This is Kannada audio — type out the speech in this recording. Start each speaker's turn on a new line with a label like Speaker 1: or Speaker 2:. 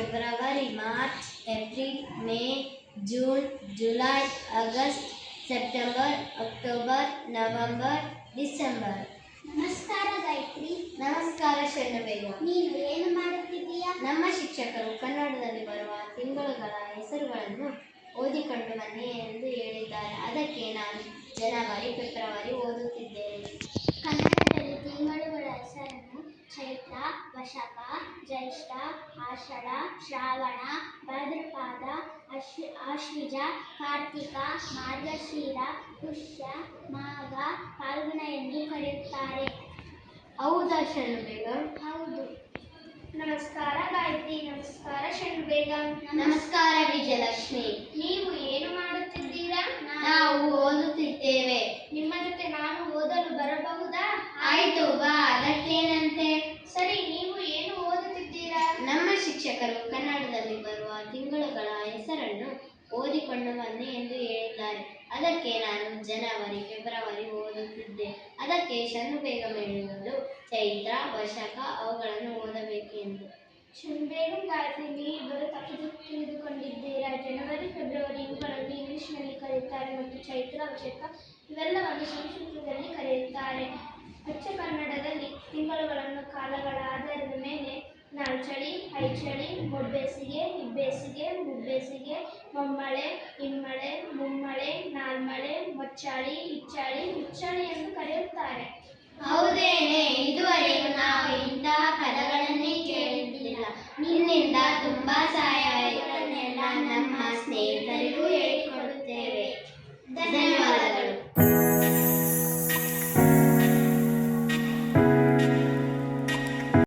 Speaker 1: February, March, April, May, June, July, August, September, October, November, December.
Speaker 2: ನಮಸ್ಕಾರ ಗಾಯತ್ರಿ.
Speaker 1: ನಮಸ್ಕಾರ ಶರಣಬೇಗ.
Speaker 2: ನೀನು ಏನು ಮಾಡುತ್ತಿದ್ದೀಯಾ?
Speaker 1: ನಮ್ಮ ಶಿಕ್ಷಕರು ಕನ್ನಡದಲ್ಲಿ ಬರುವ ತಿಂಗಳುಗಳ ಹೆಸರುಗಳನ್ನು ಓದಿಕೊಂಡು ಬನ್ನಿ ಎಂದು ಹೇಳಿದ್ದಾರೆ. ಅದಕ್ಕೆ ನಾನು ಜನವರಿ, ಫೆಬ್ರವರಿ ಓದುತ್ತಿದ್ದೇನೆ.
Speaker 2: ಕನ್ನಡದಲ್ಲಿ ತಿಂಗಳುಗಳ ಹೆಸರನ್ನು ಚೈತ್ರ, ವಶಕ, ಜ್ಯೇಷ್ಠ, ಆಷಾಢ, ಶ್ರಾವಣ, ಭಾದ್ರಪದ, ಆಶ್ವಿಜ, ಕಾರ್ತಿಕ, ಮಾರ್ಗಶಿರ, ಪುಷ್ಯ, ಮಾಘ, ಫಾಲ್ಗುಣ ಎಂದು ಕರೆಯುತ್ತಾರೆ.
Speaker 1: ಹೌದಾ ಶರಣಬೇಗ?
Speaker 2: ಹೌದು. ನಮಸ್ಕಾರ ಗಾಯತ್ರಿ. ನಮಸ್ಕಾರ ಶರಣಬೇಗ.
Speaker 1: ನಮಸ್ಕಾರ ವಿಜಯಲಕ್ಷ್ಮಿ.
Speaker 2: ನೀವು ಏನು ಮಾಡುತ್ತಿದ್ದೀರಾ?
Speaker 1: ನಾವು ಓದುತ್ತಿದ್ದೇವೆ.
Speaker 2: ನಿಮ್ಮ ಜೊತೆ ನಾನು ಓದಲು ಬರಬಹುದಾ?
Speaker 1: ಆಯ್ತು ಬಾ, ಅದಕ್ಕೇನಂತೆ.
Speaker 2: ಸರಿ, ನೀವು ಏನು ಓದುತ್ತಿದ್ದೀರಾ?
Speaker 1: ನಮ್ಮ ಶಿಕ್ಷಕರು ಕನ್ನಡದಲ್ಲಿ ಬರುವ ತಿಂಗಳುಗಳ ಹೆಸರನ್ನು ಓದಿಕೊಂಡು ಬನ್ನಿ ಎಂದು ಹೇಳಿದ್ದಾರೆ. ಅದಕ್ಕೆ ನಾನು ಜನವರಿ, ಫೆಬ್ರವರಿ ಓದುತ್ತಿದ್ದೆ. ಅದಕ್ಕೆ ಶರಣಬೇಗ ಹೇಳಿದರು ಚೈತ್ರ, ವಶಕ ಅವುಗಳನ್ನು ಓದಬೇಕು ಎಂದು.
Speaker 2: ಶರಣಬೇಗ, ಗಾಯತ್ರಿ, ನೀವಿಬ್ಬರು ತಪ್ಪು ತಿಳಿದುಕೊಂಡಿದ್ದೀರಾ. ಜನವರಿ, ಫೆಬ್ರವರಿ ಇವುಗಳನ್ನು ಇಂಗ್ಲಿಷ್ನಲ್ಲಿ ಕರೆಯುತ್ತಾರೆ ಮತ್ತು ಚೈತ್ರ, ವಶಕ ಇವೆಲ್ಲವನ್ನು ಸಂಸ್ಕೃತದಲ್ಲಿ ಕರೆಯುತ್ತಾರೆ. ಅಚ್ಚ ಕನ್ನಡದಲ್ಲಿ ತಿಂಗಳುಗಳನ್ನು ಕಾಲಗಳ ಆಧಾರದ ಮೇಲೆ ನಾಲ್ಚಳಿ, ಐಚಳಿ, ಮೊಡ್ಬೇಸಿಗೆ, ಇಬ್ಬೇಸಿಗೆ, ಮುಬ್ಬೇಸಿಗೆ, ಮೊಮ್ಮಳೆ, ಇಮ್ಮಳೆ, ಮುಮ್ಮಳೆ, ನಾಲ್ಮಳೆ, ಮೊಚ್ಚಾಳಿ, ಇಚ್ಚಾಳಿ, ಹುಚ್ಚಾಳಿ ಎಂದು ಕರೆಯುತ್ತಾರೆ.
Speaker 1: ಹೌದೇನೆ? ಇದುವರೆಗೂ ನಾವು ಇಂತಹ ಪದಗಳನ್ನೇ ಕೇಳಿದ್ದಿಲ್ಲ. ನಿನ್ನಿಂದ ತುಂಬಾ ಸಹಾಯವಾಯಿತು. ನಮ್ಮ ಸ್ನೇಹಿತರು